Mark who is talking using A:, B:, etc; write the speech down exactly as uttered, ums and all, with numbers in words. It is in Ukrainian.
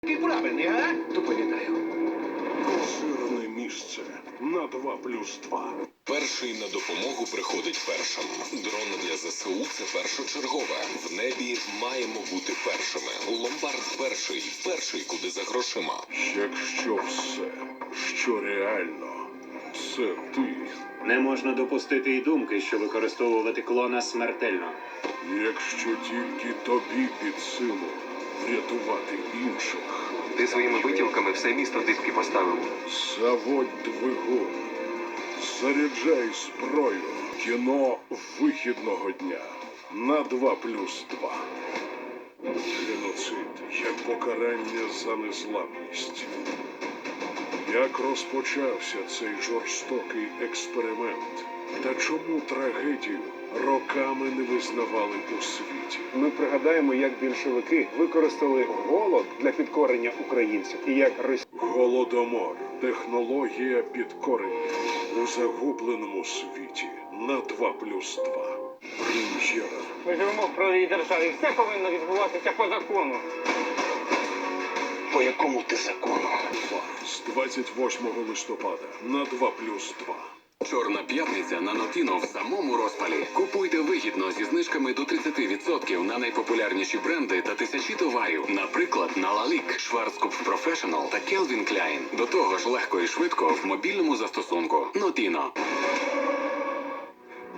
A: Який правильний, а?
B: Доповідаю.
C: Поширене місце на два плюс два.
D: Перший на допомогу приходить першим. Дрон для ЗСУ – це першочергове. В небі маємо бути першими. Ломбард перший. Перший, куди за грошима.
C: Якщо все, що реально, це ти.
E: Не можна допустити й думки, що використовувати клона смертельно.
C: Якщо тільки тобі під силу врятувати інших.
B: Ти своїми витівками все місто дибки поставив.
C: Заводь двигун. Заряджай зброю. Кіно вихідного дня на два плюс два. Геноцид як покарання за незламність. Як розпочався цей жорстокий експеримент? Та чому трагедію роками не визнавали у світі?
F: Ми пригадаємо, як більшовики використали голод для підкорення українців і як Росія.
C: Голодомор. Технологія підкорення у загубленому світі на два плюс два. Прем'єра.
G: Ми живемо в правовій державі. Все повинно відбуватися по закону.
B: По якому ти закону?
C: З двадцять восьмого листопада на два плюс два.
D: Чорна п'ятниця на Нотіно в самому розпалі. Купуйте вигідно зі знижками до тридцять відсотків на найпопулярніші бренди та тисячі товарів. Наприклад, на Лалік, Schwarzkopf Professional та Calvin Klein. До того ж легко і швидко в мобільному застосунку. Нотіно.